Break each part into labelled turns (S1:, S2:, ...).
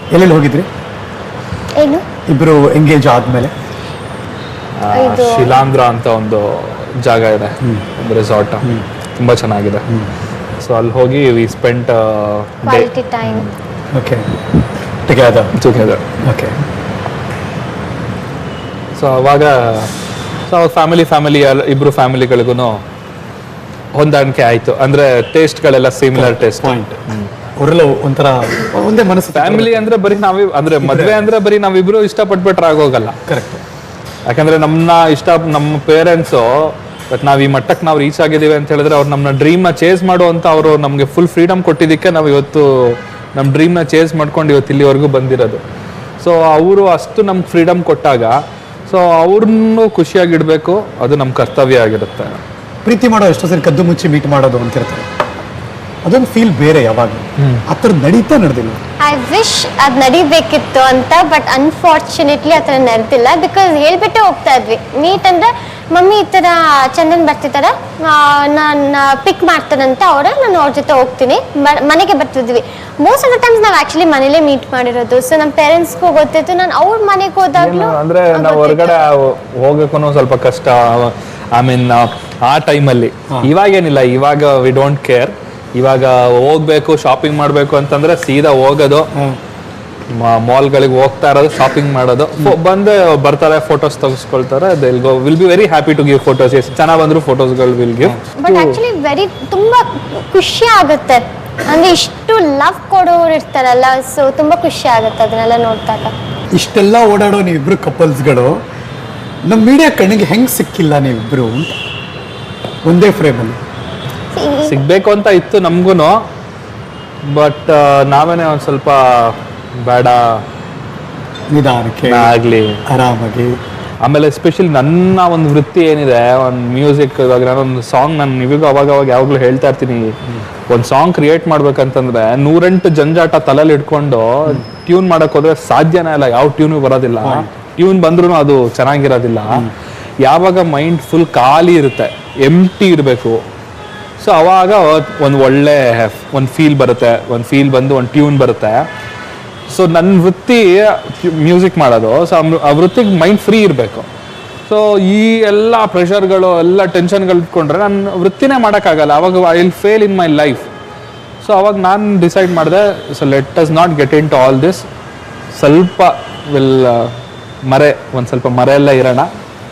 S1: ಎಲ್ಲೆಲ್ಲಿ ಹೋಗಿದ್ರಿ
S2: ಏನು
S1: ಇಬ್ರು ಎಂಗೇಜ್ ಆದ್ಮೇಲೆ?
S3: ಶಿಲಾಂಧ್ರ ಅಂತ ಒಂದು ಜಾಗ ಇದೆ, ಒಂದು ರೆಸಾರ್ಟ್, ತುಂಬಾ ಚೆನ್ನಾಗಿದೆ. ಸೊ ಅಲ್ಲಿ ಹೋಗಿ we spent
S2: quality time.
S1: Okay, together. Okay.
S3: So ಅವಾಗ ಫ್ಯಾಮಿಲಿ ಇಬ್ರು ಫ್ಯಾಮಿಲಿಗಳಿಗೂ ಹೊಂದಾಣಿಕೆ ಆಯ್ತು. ಅಂದ್ರೆ ಟೇಸ್ಟ್ಗಳೆಲ್ಲ ಸಿಮಿಲರ್ ಟೇಸ್ಟ್.
S1: ಪಾಯಿಂಟ್. ಅವರೆಲ್ಲ ಒಂಥರ ಒಂದೇ ಮನಸ್ಸು.
S3: ಫ್ಯಾಮಿಲಿ ಅಂದ್ರೆ ಬರೀ ಅಂದ್ರೆ ಮದ್ವೆ ಅಂದ್ರೆ ಬರೀ ನಾವಿಬ್ರು ಇಷ್ಟಪಟ್ಬಿಟ್ರೆ ಆಗೋಗಲ್ಲ.
S1: ಕರೆಕ್ಟ್.
S3: ಯಾಕಂದ್ರೆ ನಮ್ಮ ಪೇರೆಂಟ್ಸು ನಾವ್ ಈ ಮಟ್ಟಕ್ಕೆ ನಾವು ರೀಚ್ ಆಗಿದ್ದೀವಿ ಅಂತ ಹೇಳಿದ್ರೆ ಅವ್ರು ನಮ್ಮ ಡ್ರೀಮ್ನ ಚೇಸ್ ಮಾಡುವಂತ ಅವರು ನಮ್ಗೆ ಫುಲ್ ಫ್ರೀಡಮ್ ಕೊಟ್ಟಿದ್ದಕ್ಕೆ ನಾವು ಇವತ್ತು ನಮ್ಮ ಡ್ರೀಮ್ನ ಚೇಸ್ ಮಾಡ್ಕೊಂಡು ಇವತ್ತು ಇಲ್ಲಿವರೆಗೂ ಬಂದಿರೋದು. ಸೊ ಅವರು ಅಷ್ಟು ನಮ್ಗೆ ಫ್ರೀಡಮ್ ಕೊಟ್ಟಾಗ ಸೊ ಅವ್ರನ್ನೂ ಖುಷಿಯಾಗಿಡ್ಬೇಕು, ಅದು ನಮ್ಮ ಕರ್ತವ್ಯ ಆಗಿರುತ್ತೆ.
S1: ಪ್ರೀತಿ ಮಾಡೋ ಎಷ್ಟೋ ಸರಿ ಕದ್ದು ಮುಚ್ಚಿ ಮೀಟ್ ಮಾಡೋದು ಅಂತಿರ್ತಾರೆ, ಅದೊಂದು ಫೀಲ್ ಬೇರೆ. ಯಾವಾಗ ಆ ಥರ ನಡೆದಿಲ್ಲ.
S2: ಐ ವಿಶ್ ಅದು ನಡಿಬೇಕಿತ್ತು ಅಂತ, ಬಟ್ ಅನ್ಫಾರ್ಚುನೇಟ್ಲಿ ಆ ಥರ ನಡೆದಿಲ್ಲ. ಬಿಕಾಸ್ ಹೇಳ್ಬಿಟ್ಟೆ ಹೋಗ್ತಾ ಇದ್ವಿ ಮೀಟ್ ಅಂದರೆ, ಮಮ್ಮಿ ಈ ಥರ ಚಂದನ್ ಬರ್ತಿದ್ದಾರೆ, ನಾನು ಪಿಕ್ ಮಾಡ್ತಾರಂತ ನಾನು ಅವ್ರ ಜೊತೆ ಹೋಗ್ತೀನಿ, ಮನೆಗೆ ಬರ್ತಿದ್ವಿ. ಮೋಸ್ಟ್ ಆಫ್ ದ ಟೈಮ್ಸ್ ನಾವು ಆ್ಯಕ್ಚುಲಿ ಮನೇಲೇ ಮೀಟ್ ಮಾಡಿರೋದು. ಸೊ ನಮ್ಮ ಪೇರೆಂಟ್ಸ್ಗೂ ಗೊತ್ತಿತ್ತು, ನಾನು ಅವ್ರ ಮನೆಗೆ ಹೋದಾಗಲೂ
S3: ಅಂದ್ರೆ ನಾವು ಹೊರಗಡೆ ಹೋಗಕ್ಕೂ ಸ್ವಲ್ಪ ಕಷ್ಟ. ಐ ಮೀನ್ ಆ ಟೈಮಲ್ಲಿ. ಇವಾಗೇನಿಲ್ಲ, ಇವಾಗ ವಿ ಡೋಂಟ್ ಕೇರ್. ಇವಾಗ ಹೋಗ್ಬೇಕು ಶಾಪಿಂಗ್ ಮಾಡಬೇಕು ಅಂತಂದ್ರೆ ಸೀದಾ ಹೋಗೋದು, ಮಾಲ್ಗಳಿಗೆ ಹೋಗ್ತಾ ಇರೋದು, ಶಾಪಿಂಗ್ ಮಾಡೋದು, ಬಂದು ಬರ್ತಾರೆ, ಫೋಟೋಸ್ ತೆಗೆಸ್ಕೊಳ್ತಾರೆ. Will be very happy to give photos. ಎಷ್ಟು ಚೆನ್ನಾಗಿ ಬಂದ್ರು ಫೋಟೋಸ್ಗಳು ವಿಲ್ ಗಿವ್.
S2: ಬಟ್ ಆಕ್ಚುಲಿ ತುಂಬಾ ಖುಷಿ ಆಗುತ್ತೆ, ಅಂದ್ರೆ ಇಷ್ಟು ಲವ್ ಕೊಡೋರು ಇರ್ತಾರಲ್ಲ, ಸೊ ತುಂಬಾ ಖುಷಿ ಆಗುತ್ತೆ ಅದನ್ನೆಲ್ಲ ನೋಡ್ದಾಗ.
S1: ಇಷ್ಟೆಲ್ಲ ಓಡಾಡೋ ನೀವಿಬ್ರು ಕಪಲ್ಸ್ಗಳು ನಮ್ಮ ಮೀಡಿಯಾ ಕಣ್ಣಿಗೆ ಹೆಂಗ್ ಸಿಕ್ಕಿಲ್ಲ ನೀವಿಬ್ರು ಒಂದೇ ಫ್ರೇಮಲ್ಲಿ?
S3: ಸಿಗ್ಬೇಕು ಅಂತ ಇತ್ತು ನಮ್ಗೂನು, ಬಟ್ ನಾವೇನೆ ಒಂದ್ ಸ್ವಲ್ಪ ಬೇಡ,
S1: ನಿಧಾನಕ್ಕೆ
S3: ಆಗ್ಲಿ,
S1: ಆರಾಮಾಗಿ.
S3: ಆಮೇಲೆ ಎಸ್ಪೆಷಲಿ ನನ್ನ ಒಂದು ವೃತ್ತಿ ಏನಿದೆ, ಒಂದು ಮ್ಯೂಸಿಕ್, ಇವಾಗ ನಾನೊಂದು ಸಾಂಗ್ ನಾನು ನಿಮಗೂ ಅವಾಗ ಯಾವಾಗಲೂ ಹೇಳ್ತಾ ಇರ್ತೀನಿ, ಒಂದು ಸಾಂಗ್ ಕ್ರಿಯೇಟ್ ಮಾಡ್ಬೇಕಂತಂದ್ರೆ 108 ಜಂಜಾಟ ತಲೆಯಲ್ಲಿ ಇಟ್ಕೊಂಡು ಟ್ಯೂನ್ ಮಾಡಕ್ ಹೋದ್ರೆ ಸಾಧ್ಯನೇ ಇಲ್ಲ. ಯಾವ ಟ್ಯೂನು ಬರೋದಿಲ್ಲ, ಟ್ಯೂನ್ ಬಂದ್ರೂ ಅದು ಚೆನ್ನಾಗಿರೋದಿಲ್ಲ. ಯಾವಾಗ ಮೈಂಡ್ ಫುಲ್ ಖಾಲಿ ಇರುತ್ತೆ, ಎಂಟಿ ಇರಬೇಕು, ಸೊ ಅವಾಗ ಒಂದು ಒಳ್ಳೆ ಒಂದು ಫೀಲ್ ಬರುತ್ತೆ, ಒಂದು ಫೀಲ್ ಬಂದು ಒಂದು ಟ್ಯೂನ್ ಬರುತ್ತೆ. ಸೊ ನನ್ನ ವೃತ್ತಿ ಮ್ಯೂಸಿಕ್ ಮಾಡೋದು. ಸೊ ಆ ವೃತ್ತಿಗೆ ಮೈಂಡ್ ಫ್ರೀ ಇರಬೇಕು. ಸೊ ಈ ಎಲ್ಲ ಪ್ರೆಷರ್ಗಳು, ಎಲ್ಲ ಟೆನ್ಷನ್ಗಳು ಇಟ್ಕೊಂಡ್ರೆ ನನ್ನ ವೃತ್ತಿನೇ ಮಾಡೋಕ್ಕಾಗಲ್ಲ. ಅವಾಗ I will fail in my life. So ಅವಾಗ ನಾನು ಡಿಸೈಡ್ ಮಾಡಿದೆ, so let us not get into all this. ಸ್ವಲ್ಪ ಒಂದು ಸ್ವಲ್ಪ ಮರೆಯೆಲ್ಲ ಇರೋಣ,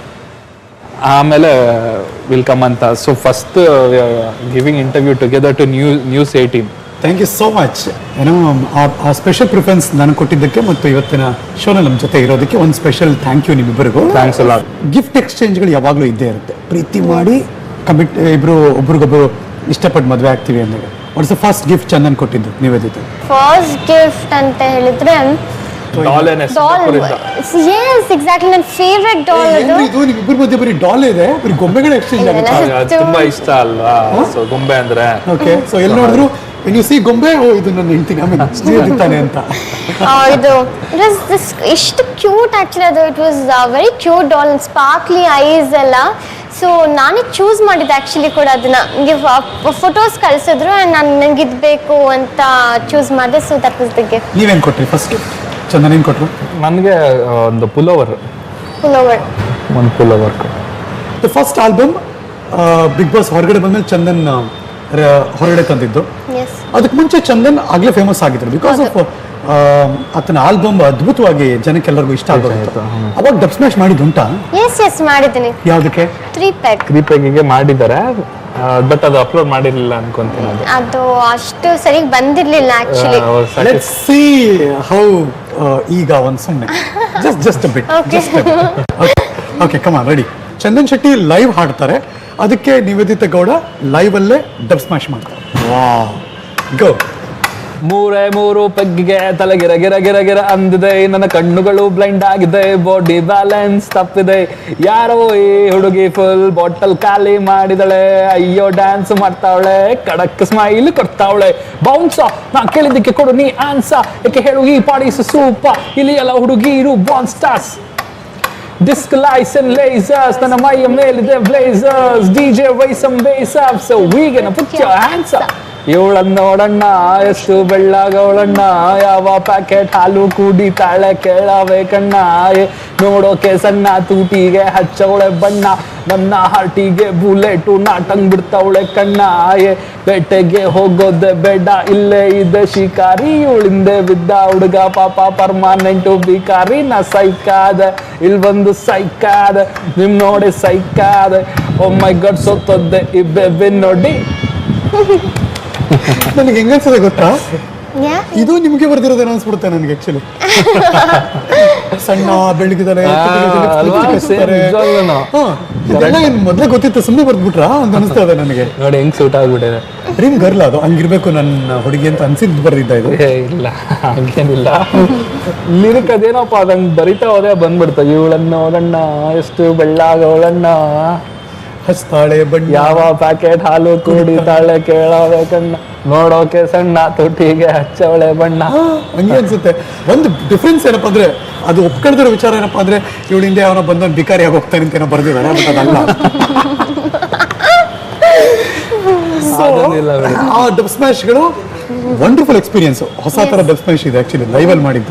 S3: ಆಮೇಲೆ ವಿಲ್ ಕಮ್ ಅಂತ. So first giving interview together to news 18.
S1: Thank you so much. ಏನೋ ಆ ಸ್ಪೆಷಲ್ ಪ್ರಿಫರೆನ್ಸ್ ನಾನು ಕೊಟ್ಟಿದ್ದಕ್ಕೆ ಮತ್ತು ಇವತ್ತಿನ ಶೋನಲ್ಲಿ ನಮ್ಮ ಜೊತೆ ಇರೋದಕ್ಕೆ ಒಂದು ಸ್ಪೆಷಲ್ ಥ್ಯಾಂಕ್ ಯು ನಿಮ್ಮಿಬ್ಬರಿಗೂ.
S3: Thanks a lot.
S1: ಗಿಫ್ಟ್ ಎಕ್ಸ್ಚೇಂಜ್ಗಳು ಯಾವಾಗಲೂ ಇದ್ದೇ ಇರುತ್ತೆ. ಪ್ರೀತಿ ಮಾಡಿ ಒಬ್ರಿಗೊಬ್ರು ಇಷ್ಟಪಟ್ಟು ಮದುವೆ ಆಗ್ತೀವಿ ಅಂದಾಗ what's the first gift Chandan ಕೊಟ್ಟಿದ್ದು ನಿವೇದಿತ?
S2: ಫಸ್ಟ್ ಗಿಫ್ಟ್ ಅಂತ ಹೇಳಿದ್ರೆ
S3: ಡಾಲ್.
S2: ಎಸ್, ಎಕ್ಸಾಕ್ಟ್ಲಿ, ನನ್ನ ಫೇವ್ರೆಟ್ ಡಾಲ್ ಅದು.
S1: ಇದು ನಿಮ್ಮಿಬ್ಬರ ಮಧ್ಯೆ ಬರೀ ಡಾಲ್ ಇದೆ, ಬರೀ ಗೊಂಬೆಗಳ ಎಕ್ಸ್ಚೇಂಜ್ ಆಗುತ್ತೆ.
S3: ತುಂಬಾ ಇಷ್ಟ ಅಲ್ವಾ ಸೊ ಗೊಂಬೆ ಅಂದ್ರೆ.
S1: ಓಕೆ, ಸೊ ಎಲ್ಲಿ ನೋಡಿದ್ರು ನೀವು ಸಿ ಗೊಂಬೆ, ಇದು ನನ್ನ ಹೆಂಡ್ತಿನ ಸ್ನೇಹಿತಾನೆ ಅಂತ.
S2: ಇದು ಎಷ್ಟು ಕ್ಯೂಟ್ ಆಕ್ಚುಲಿ ಅದು. It was very cute doll, sparkly eyes ಎಲ್ಲ. ಸೊ ನಾನೇ ಚೂಸ್ ಮಾಡಿದ್ದೆ ಆ್ಯಕ್ಚುಲಿ ಕೂಡ ಅದನ್ನ. ನನಗೆ ಫೋಟೋಸ್ ಕಳಿಸಿದ್ರು, ನಾನು ನಂಗೆ ಇದು ಬೇಕು ಅಂತ ಚೂಸ್ ಮಾಡಿದೆ. So that was the gift.
S1: ನೀವೇನು ಕೊಟ್ರಿ ಫಸ್ಟ್ ಗಿಫ್ಟ್? ಚಂದನ್ ಏನು ಕೊಟ್ಟರು?
S3: ನನಗೆ ಒಂದು ಪುಲೋವರ್. ಒಂದು pullover.
S1: The first album Bigg Boss ಹೊರಗಡೆ ಬಂದ್ಮೇಲೆ ಚಂದನ್ ಹೊರಗಡೆ ತಂದಿದ್ದು. ಅದಕ್ಕೆ ಮುಂಚೆ ಚಂದನ್ ಆಗ್ಲೇ ಫೇಮಸ್ ಆಗಿದ್ರು ಬಿಕಾಸ್ ಆಫ್ ಆತನ ಆಲ್ಬಮ್ ಅದ್ಭುತವಾಗಿ ಜನಕ್ಕೆಲ್ಲರಿಗೂ ಇಷ್ಟ ಆಗೋದು. ಅವಾಗ ಡಬ್ ಸ್ಮ್ಯಾಶ್ ಮಾಡಿದ್ದುಂಟಾ?
S2: ಎಸ್ ಮಾಡಿದ್ದೀನಿ.
S1: ಯಾವುದಕ್ಕೆ?
S2: 3
S3: ಪೆಗ್ಗೆ ಮಾಡಿದ್ದಾರೆ, ಬಟ್ ಅದು ಅಪ್ಲೋಡ್ ಮಾಡಿರಲಿಲ್ಲ ಅನ್ಕೊಂತೀನಿ.
S2: ಅದು ಅಷ್ಟು ಸರಿ ಬಂದಿರಲಿಲ್ಲ ಆಕ್ಚುಲಿ.
S1: ಲೆಟ್ಸ್ ಸೀ ಹೌ ಈಗ ಒಂದು ಸುಮ್ಮನೆ just a bit. Okay, come on, ready. Chandan Shetty live ಹಾಡ್ತಾರೆ, ಅದಕ್ಕೆ ನಿವೇದಿತ ಗೌಡ ಲೈವ್ ಅಲ್ಲೇ ಡಬ್ ಸ್ಮ್ಯಾಶ್ ಮಾಡ್ತಾರೆ. Wow, go.
S3: 3 ಪೆಗ್ಗಿಗೆ ತಲೆಗಿರ ಗಿರ ಗಿರ ಗಿರ ಅಂದಿದೆ, ನನ್ನ ಕಣ್ಣುಗಳು ಬ್ಲೈಂಡ್ ಆಗಿದೆ, ಬಾಡಿ ಬ್ಯಾಲೆನ್ಸ್ ತಪ್ಪಿದೆ, ಯಾರೋ ಈ ಹುಡುಗಿ ಫುಲ್ ಬಾಟಲ್ ಖಾಲಿ ಮಾಡಿದಳೆ, ಅಯ್ಯೋ ಡ್ಯಾನ್ಸ್ ಮಾಡ್ತಾವಳೆ, ಕಡಕ್ ಸ್ಮೈಲ್ ಕೊಡ್ತಾವಳೆ, ಬೌನ್ಸ ನಾ ಕೇಳಿದ್ದಕ್ಕೆ ಕೊಡು ನೀ ಆನ್ಸ, ಯಾಕೆ ಹೇಳು ಈ ಪಾಡಿಸ್ ಸೂಪ, ಇಲ್ಲಿ ಎಲ್ಲ ಹುಡುಗಿರು ಬಾನ್ ಸ್ಟಾರ್ಸ್, ಡಿಸ್ಕ್ ಲೈಸನ್ ಲೇಸರ್ಸ್, ನನ್ನ ಮೈಯ ಮೇಲಿದೆ ಬ್ಲೇಸರ್ಸ್, DJ ವೈಸಮ್ bass up, so we gonna put your hands up, ಇವಳನ್ನ ನೋಡಣ್ಣ ಎಷ್ಟು ಬೆಳ್ಳಾಗವಳಣ್ಣ, ಯಾವ ಪ್ಯಾಕೆಟ್ ಹಾಲು ಕುಡಿತಾಳೆ ಕೇಳಬೇಕಣ್ಣ, ನೋಡೋಕೆ ಸಣ್ಣ ತೂಟಿಗೆ ಹಚ್ಚವಳೆ ಬಣ್ಣ, ನನ್ನ ಹಾರ್ಟಿಗೆ ಬುಲೆಟು ನಾಟಂಗ್ ಬಿಡ್ತಾವಳೆ ಕಣ್ಣ, ಬೇಟೆಗೆ ಹೋಗೋದೆ ಬೇಡ ಇಲ್ಲೇ ಇದೆ ಶಿಕಾರಿ, ಇವಳಿಂದೆ ಬಿದ್ದ ಹುಡುಗ ಪಾಪ ಪರ್ಮಾನೆಂಟು ಬಿಕಾರಿ, ನಾ ಸೈಕಾದ ಇಲ್ಲಿ ಬಂದು ಸೈಕಾದ ನಿಮ್ ನೋಡಿ ಸೈಕಾದ, ಓ ಮೈ ಗಾಡ್ ಸೊತ್ತೊದ್ದೆ ಈ ಬೆಬ್ಬೆ ನೋಡಿ.
S1: ನನಗೆ ಹೆಂಗನ್ಸದೆ ಗೊತ್ತಾ,
S2: ಯಾ
S1: ಇದು ನಿಮ್ಗೆ ಬರ್ದಿರೋದೇನೋ ಅನ್ಸ್ಬಿಡುತ್ತೆ ನನಗೆ ಆಕ್ಚುಲಿ. ಸಣ್ಣ ಬೆಳಗಿದಾರೆ
S3: ಅಲ್ವಾ? Same, ನಿಜವಾಗ್ಲೂನು.
S1: ಇದೆಲ್ಲ ಏನ್ ಮೊದ್ಲೇ ಗೊತ್ತಿತ್ತು ಸುಮ್ಮನೆ ಬರ್ದ್ಬಿಟ್ರಾ ಅಂತ ಅನಿಸ್ತಾ ಇದೆ ನನಗೆ.
S3: ನೋಡಿ ಹೆಂಗ್ ಸೂಟ್ ಆಗ್ಬಿಟ್ಟಿದೆ.
S1: ಡ್ರೀಮ್ ಗರ್ಲ್ ಅದು, ಹಂಗಿರ್ಬೇಕು ನನ್ನ ಹುಡುಗಿ ಅಂತ ಅನ್ಸಿದ್ ಬರ್ದಿದ್ದ ಇದು.
S3: ಇಲ್ಲ ಹಂಗೇನಿಲ್ಲ, ಲಿರಿಕ್ ಅದೇನಪ್ಪ ಅದಂಗ್ ಬರಿತಾ ಹೋದೆ ಬಂದ್ಬಿಡ್ತ. ಇವಳನ್ನ ನೋಡಣ್ಣ ಎಷ್ಟು ಬೆಳ್ಳಾಗವಳಣ್ಣ,
S1: ಹಸ್ತಾಳೆ ಬಣ್ಣ,
S3: ಯಾವ ಪ್ಯಾಕೆಟ್ ಹಾಲು ಕುಡಿತಾಳೆ ಕೇಳಬೇಕಣ್ಣ, ನೋಡೋಕೆ ಸಣ್ಣ ತುಟಿಗೆ ಹಚ್ಚವಳೆ ಬಣ್ಣ.
S1: ಹಂಗೆ ಅನ್ಸುತ್ತೆ. ಒಂದು ಡಿಫ್ರೆನ್ಸ್ ಏನಪ್ಪಾ ಅಂದ್ರೆ, ಅದು ಒಪ್ಕೊಳ್ದಿರೋ ವಿಚಾರ ಏನಪ್ಪಾ ಅಂದ್ರೆ, ಇವಳಿಂದ ಅವನ ಬಂದವನ್ ಬಿಕಾರಿಯಾಗಿ ಹೋಗ್ತಾನೆ ಅಂತ ಏನೋ ಬರ್ದಿದ್ದಾರೆ, ಬಟ್ ಅದಲ್ಲ.
S3: ಅದೊಂದಿಲ್ಲ ಬಿಡಿ.
S1: ಆ ಡಬ್ ಸ್ಮ್ಯಾಶ್ಗಳು ವಂಡರ್ಫುಲ್ ಎಕ್ಸ್ಪೀರಿಯನ್ಸ್. ಹೊಸ ತರ ಡಬ್ ಸ್ಮ್ಯಾಶ್ ಇದೆ ಆಕ್ಚುಲಿ, ಲೈವಲ್ಲಿ ಮಾಡಿದ್ದು.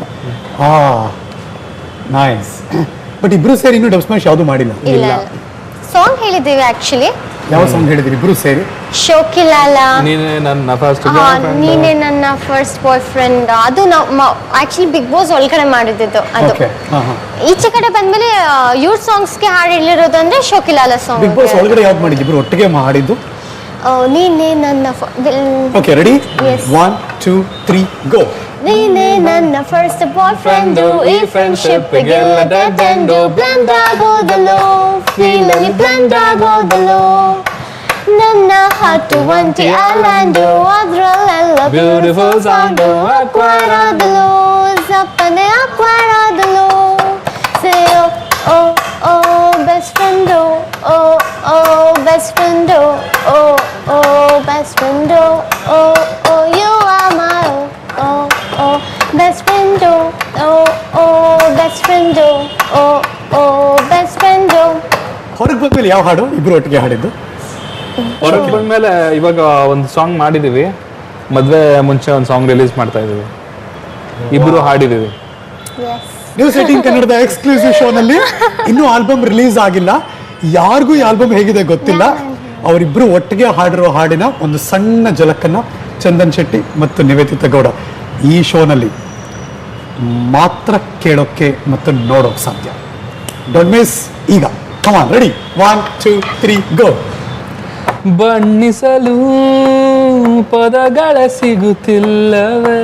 S1: ನೈಸ್. ಬಟ್ ಇಬ್ರು ಸೇರಿ ಇನ್ನೂ ಡಬ್ ಸ್ಮ್ಯಾಶ್ ಯಾವುದು ಮಾಡಿಲ್ಲ.
S2: ಇಲ್ಲ ಸಾಂಗ್ ಹೇಳಿದ್ದೀವಿ ಆಕ್ಚುಲಿ.
S1: ಯಾವ ಸಾಂಗ್ ಹೇಳಿದ್ರಿ ಇಬ್ರು ಸೇರಿ?
S2: ಶೋಕಿಲಾಲ,
S3: ನೀನೇ ನನ್ನ ಫಸ್ಟ್
S2: ನೀನೇ ನನ್ನ ಫಸ್ಟ್ ಬಾಯ್ ಫ್ರೆಂಡ್, ಅದು ನಾವು ಆಕ್ಚುಲಿ ಬಿಗ್ ಬಾಸ್ ಒಳಗಡೆ ಮಾಡಿದ್ದು ಅದು.
S1: ಓಕೆ.
S2: ಈಚೆ ಕಡೆ ಬಂದ್ಮೇಲೆ ಇವ್ರ ಸಾಂಗ್ಸ್ಗೆ ಹಾಡು ಹೇಳಿರೋದು ಅಂದ್ರೆ ಶೋಕಿಲಾಲ ಸಾಂಗ್.
S1: ಬಿಗ್ ಬಾಸ್ ಒಳಗಡೆ ಯಾವ್ದು ಮಾಡಿದ್ದು ಇಬ್ರು ಒಟ್ಟಿಗೆ ಮಾಡಿದ್ದು?
S2: ನೀನೇ ನನ್ನ
S1: ಓಕೆ, ರೆಡಿ?
S2: Yes.
S1: 1 2 3 ಗೋ.
S2: ನೀನೇ ನನ್ನ ಫಸ್ಟ್ ಬಾಯ್ ಫ್ರೆಂಡ್, ಈ ಫ್ರೆಂಡ್ಶಿಪ್ ಗೆಲ್ಲ ಡೆಡ್ ಎಂಡ್, ಬ್ಲೆಂಡ್ ಆಗೋದಲ್ಲೋ ಫೀಲ್ ಅಲ್ಲಿ ಬ್ಲೆಂಡ್ ಆಗೋದಲ್ಲೋ, ನನ್ನ ಹಾರ್ಟ್ ಒಂಟಿ ಐಲ್ಯಾಂಡ್, ಅದ್ರಲ್ಲೆಲ್ಲ ಬ್ಯೂಟಿಫುಲ್ ಸಾಂಗ್ ಅಕ್ವೈರ್ ಆದಲ್ಲೋ, ಸಪ್ಪನೆ ಅಕ್ವೈರ್ ಆದಲ್ಲೋ, say oh oh best friend, oh oh best friend, oh oh best friend, oh oh you are my oh best friend, oh oh best friend, oh oh best friend.
S1: ಹೊರಗೆ ಬಂದ್ಮೇಲೆ ಯಾವ ಹಾಡು ಇಬ್ರು ಒಟ್ಟಿಗೆ ಹಾಡಿದ್ದು?
S3: ಹೊರಗೆ ಬಂದ್ಮೇಲೆ ಇವಾಗ ಒಂದು ಸಾಂಗ್ ಮಾಡಿದೀವಿ, ಮದ್ವೆ ಮುಂಚೆ ಒಂದು ಸಾಂಗ್ ರಿಲೀಸ್ ಮಾಡ್ತಾ ಇದೀವಿ, ಇಬ್ರು ಹಾಡಿದೀವಿ.
S1: ನ್ಯೂಸ್ 18 ಕನ್ನಡದ ಎಕ್ಸ್ಕ್ಲೂಸಿವ್ ಶೋನಲ್ಲಿ ಇನ್ನೂ ಆಲ್ಬಮ್ ರಿಲೀಸ್ ಆಗಿಲ್ಲ, ಯಾರಿಗೂ ಈ ಆಲ್ಬಮ್ ಹೇಗಿದೆ ಗೊತ್ತಿಲ್ಲ. ಅವರಿಬ್ರು ಒಟ್ಟಿಗೆ ಹಾಡಿರೋ ಹಾಡಿನ ಒಂದು ಸಣ್ಣ ಝಲಕನ್ನ ಚಂದನ್ ಶೆಟ್ಟಿ ಮತ್ತು ನಿವೇದಿತಾ ಗೌಡ ಈ ಶೋನಲ್ಲಿ ಮಾತ್ರ ಕೇಳೋಕ್ಕೆ ಮತ್ತು ನೋಡೋಕೆ ಸಾಧ್ಯ. Don't miss. ಈಗ ಕಮ್ ಆನ್, ರೆಡಿ? 1 2 3 ಗೋ.
S3: ಬಣ್ಣಿಸಲು ಪದಗಳ ಸಿಗುತ್ತಿಲ್ಲವೇ,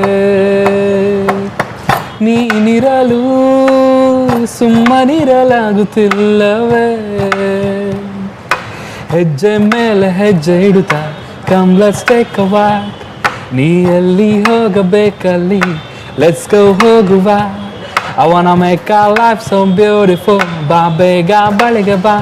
S3: ನೀನಿರಲು ಸುಮ್ಮನಿರಲಾಗುತ್ತಿಲ್ಲವೇ, ಹೆಜ್ಜೆ ಮೇಲೆ ಹೆಜ್ಜೆ ಇಡುತ್ತಾ come let's take a walk, ನೀ ಎಲ್ಲಿ ಹೋಗಬೇಕಲ್ಲಿ ಲೆಟ್ಸ್ ಗೋ ಹೋಗುವ, I wanna make our life so beautiful, ಬಾ ಬೇಗ ಬಳಿಗೆ ಬಾ,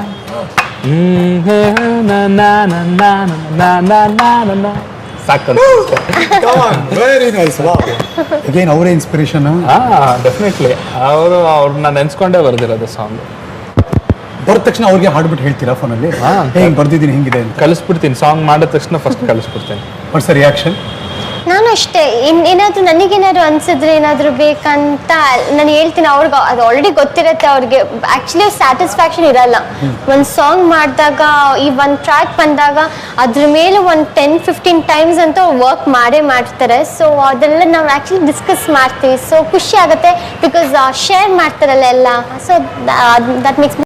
S3: na na na na na na na na na. ಸಾಕು.
S1: Very nice. ಅಗೇನ್ ಅವರೇ ಇನ್ಸ್ಪಿರೇಷನ್.
S3: ಡೆಫಿನೆಟ್ಲಿ ಅವ್ರನ್ನ ನೆನ್ಸ್ಕೊಂಡೇ ಬರ್ದಿರೋದು ಸಾಂಗ್.
S1: ಬರದ ತಕ್ಷಣ ಅವ್ರಿಗೆ ಹಾಡ್ಬಿಟ್ಟು ಹೇಳ್ತೀರಾ ಫೋನಲ್ಲಿ? ಹೆಂಗ್ ಬರ್ದಿದ್ದೀನಿ ಹಿಂಗಿದೆ ಅಂತ
S3: ಕಳಿಸ್ಬಿಡ್ತೀನಿ. ಸಾಂಗ್ ಮಾಡಿದ ತಕ್ಷಣ ಫಸ್ಟ್ ಕಳಿಸ್ಬಿಡ್ತೀನಿ.
S1: What's reaction?
S2: ನಾನು ಅಷ್ಟೇ, ಏನಾದರೂ ನನಗೇನಾದ್ರು ಅನ್ಸಿದ್ರೆ ಏನಾದರೂ ಬೇಕಂತ ನಾನು ಹೇಳ್ತೀನಿ ಅವ್ರಿಗೆ. ಅದು ಆಲ್ರೆಡಿ ಗೊತ್ತಿರುತ್ತೆ ಅವ್ರಿಗೆ. ಆ್ಯಕ್ಚುಲಿ ಸ್ಯಾಟಿಸ್ಫ್ಯಾಕ್ಷನ್ ಇರಲ್ಲ. ಒಂದು ಸಾಂಗ್ ಮಾಡಿದಾಗ, ಈ ಒಂದು ಟ್ರ್ಯಾಕ್ ಬಂದಾಗ ಅದ್ರ ಮೇಲೆ ಒಂದು 10-15 ಟೈಮ್ಸ್ ಅಂತ ವರ್ಕ್ ಮಾಡೇ ಮಾಡ್ತಾರೆ. ಸೊ ಅದೆಲ್ಲ ನಾವು ಆ್ಯಕ್ಚುಲಿ ಡಿಸ್ಕಸ್ ಮಾಡ್ತೀವಿ. ಸೊ ಖುಷಿ ಆಗುತ್ತೆ ಬಿಕಾಸ್ ಶೇರ್ ಮಾಡ್ತಾರಲ್ಲ ಎಲ್ಲ. So that makes